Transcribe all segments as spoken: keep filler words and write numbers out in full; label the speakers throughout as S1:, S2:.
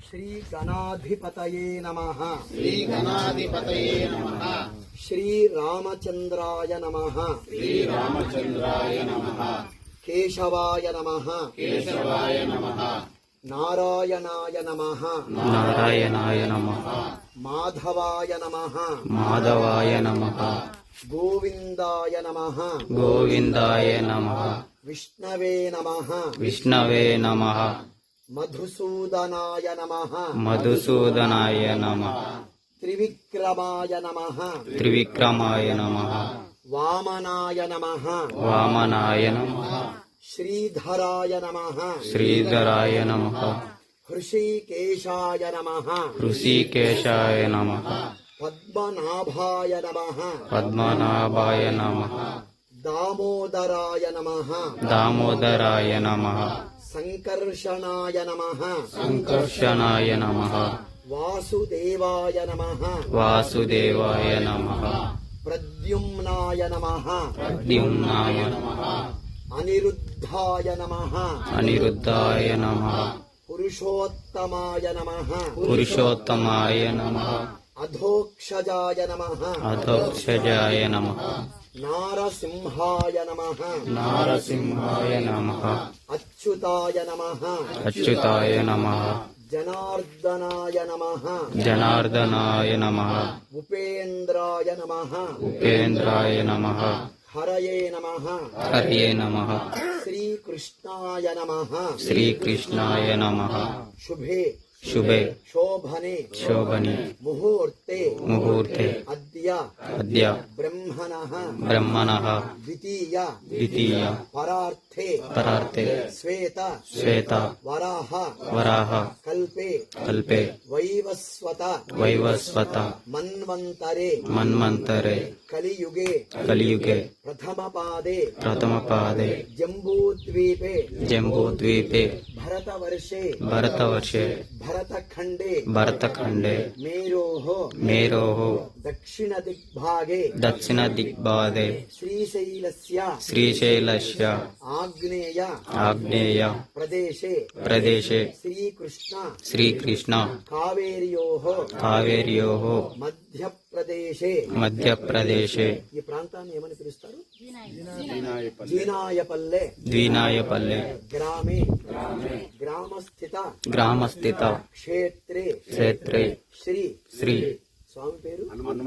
S1: श्री गणाधिपतये नमः।
S2: श्री गणाधिपतये नमः।
S1: श्री रामचंद्राय नमः।
S2: श्री रामचंद्राय नमः।
S1: केशवाय नमः।
S2: केशवाय नमः।
S1: नारायणाय नमः।
S3: नारायणाय नमः।
S1: माधवाय नमः।
S3: माधवाय नमः।
S1: गोविंदाय नमः।
S3: गोविंदाय नमः।
S1: विष्णवे नमः।
S3: विष्णवे नमः।
S1: मधुसूदनाय नमः।
S3: मधुसूदनाय नमः।
S1: त्रिविक्रमाय नमः।
S3: त्रिविक्रमाय नमः।
S1: वामनाय नमः।
S3: वामनाय नमः।
S1: श्रीधराय नमः।
S3: श्रीधराय नमः।
S1: हृषीकेशाय नमः।
S3: ऋषिकेशाय नमः।
S1: पद्मनाभाय नमः।
S3: पद्मनाभाय नमः।
S1: दामोदराय नमः।
S3: दामोदराय नमः।
S1: संकर्षणाय नमः।
S3: संकर्षणाय नमः।
S1: वासुदेवाय नमः।
S3: वासुदेवाय नमः।
S1: प्रद्युम्नाय नमः।
S3: प्रद्युम्नाय नमः।
S1: अनिरुद्धाय नमः।
S3: अनिरुद्धाय नमः।
S1: पुरुषोत्तमाय नमः।
S3: पुरुषोत्तमाय नमः।
S1: अधोक्षजाय नमः।
S3: अधोक्षजाय नमः।
S1: नारसिंहाय नमः।
S3: नारसिंहाय नमः।
S1: अच्युताय नमः।
S3: अच्युताय नमः।
S1: जनार्दनाय नमः।
S3: जनार्दनाय नमः।
S1: उपेन्द्राय नमः।
S3: उपेन्द्राय नमः।
S1: हरये नमः।
S3: हरये नमः।
S1: श्रीकृष्णाय नमः।
S3: श्रीकृष्णाय नमः।
S1: शुभे
S3: शुभे
S1: शोभने
S3: शोभने
S1: मुहूर्ते
S3: मुहूर्ते
S1: अद्य
S3: अद्य
S1: ब्रह्मणः
S3: ब्रह्मणः
S1: द्वितीय
S3: द्वितीय
S1: परार्थे
S3: परार्थे
S1: श्वेत
S3: श्वेत
S1: वराह
S3: वराह
S1: कल्पे
S3: कल्पे
S1: वैवस्वत
S3: वैवस्वत
S1: मन्वन्तरे
S3: मन्वन्तरे
S1: कलियुगे
S3: कलियुगे
S1: प्रथमपादे
S3: प्रथमपादे
S1: जम्बूद्वीपे
S3: जम्बूद्वीपे
S1: भरतवर्षे
S3: भरतवर्षे
S1: भरतखण्डे
S3: भरतखण्डे
S1: मेरोः
S3: मेरोः
S1: दक्षिणदिग्भागे
S3: दक्षिणदिग्भागे
S1: श्रीशैलस्य
S3: श्रीशैलस्य
S1: आग्नेय
S3: आग्नेय
S1: प्रदेशे
S3: प्रदेशे
S1: श्रीकृष्ण
S3: श्रीकृष्ण
S1: कावेर्योः
S3: कावेर्योः
S1: మధ్యప్రదేశే
S3: మధ్యప్రదేశే
S1: ఈ ప్రాంతాన్ని ఏమని పిలుస్తారు? జీనాయపల్లె
S3: ద్వినాయపల్లె
S1: గ్రామే గ్రామస్థిత
S3: గ్రామస్థిత
S1: క్షేత్రే
S3: క్షేత్రే
S1: శ్రీ
S3: శ్రీ
S1: స్వామి పేరు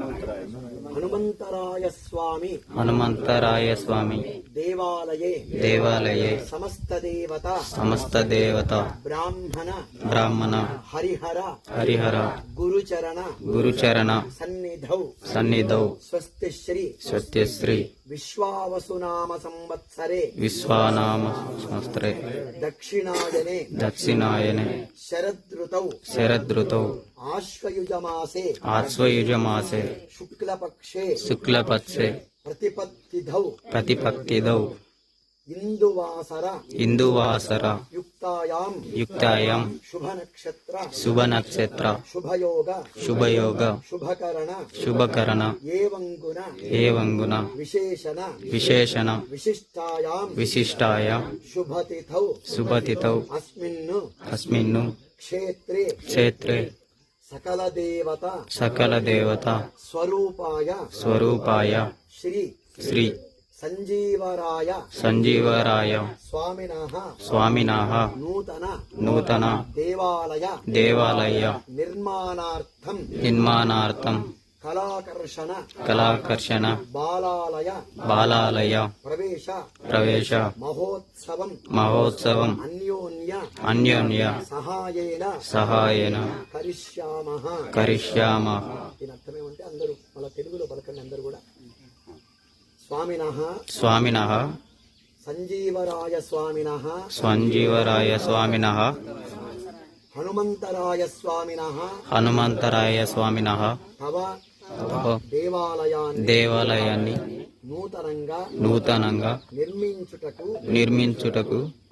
S1: హనుమంతరాయ స్వామి
S3: హనుమంతరాయ స్వామి
S1: దేవాలయే
S3: దేవాలయే
S1: సమస్త దేవత
S3: సమస్త దేవత
S1: బ్రాహ్మణ
S3: బ్రాహ్మణ
S1: హరిహర
S3: హరిహర
S1: గురుచరణ
S3: గురుచరణ
S1: సన్నిధౌ
S3: సన్నిధౌ
S1: స్వస్తి శ్రీ
S3: సత్యశ్రీ
S1: విశ్వావసునామ సంవత్సరే
S3: విశ్వానామ సంవత్సరే
S1: దక్షిణాయనే
S3: దక్షిణాయనే
S1: శరదృతౌ
S3: శరదృతౌ
S1: ఆశ్వయుజమాసే
S3: ఆశ్వయుజమాసే
S1: శుక్లపక్షే
S3: శుక్లపక్షే
S1: ప్రతిపత్తిధౌ
S3: ప్రతిపత్తిదౌ
S1: ఇందువాసర
S3: ఇందువాసర
S1: యుక్తాయాం
S3: యుక్తాయాం
S1: శుభనక్షత్ర
S3: శుభనక్షత్ర
S1: శుభయోగ
S3: శుభయోగ
S1: శుభకరణ
S3: శుభకరణ
S1: ఏవంగుణ
S3: ఏవంగున
S1: విశేషణ
S3: విశేషణ
S1: విశిష్టాయాం
S3: విశిష్టాయాం
S1: శుభతిథౌ
S3: శుభతిథౌ
S1: అస్మిన్ను
S3: అస్మిన్ను
S1: క్షేత్రే
S3: క్షేత్రే
S1: సకల దేవత
S3: సకల దేవత
S1: స్వరూపాయ
S3: స్వరూపాయ
S1: శ్రీ
S3: శ్రీ
S1: సంజీవరాయ
S3: సంజీవరాయ
S1: స్వామినః
S3: స్వామినః
S1: నూతన
S3: నూతన
S1: దేవాలయ
S3: దేవాలయ
S1: నిర్మాణార్థం
S3: నిర్మాణార్థం
S1: కళాకర్షణ
S3: కళాకర్షణ
S1: బాలాలయ
S3: బాలాలయ
S1: ప్రవేశ
S3: ప్రవేశ
S1: మహోత్సవం
S3: మహోత్సవం
S1: అన్యోన్య
S3: అన్యోన్య
S1: సహాయేన
S3: సహాయేన
S1: కరిష్యామః.
S3: కరిష్యామః.
S1: దీని అర్థం ఏమంటే అందరూ మన తెలుగులో పలకండి అందరూ కూడా. స్వామినః
S3: స్వామినః
S1: సంజీవరాయ స్వామినః
S3: సంజీవరాయ స్వామినః
S1: హనుమంతరాయ స్వామినః
S3: హనుమంతరాయ స్వామినః
S1: తవ
S3: తవ
S1: దేవాలయాన్ని
S3: దేవాలయాన్ని
S1: నూతనంగా
S3: నూతనంగా
S1: నిర్మించుటకు
S3: నిర్మించుటకు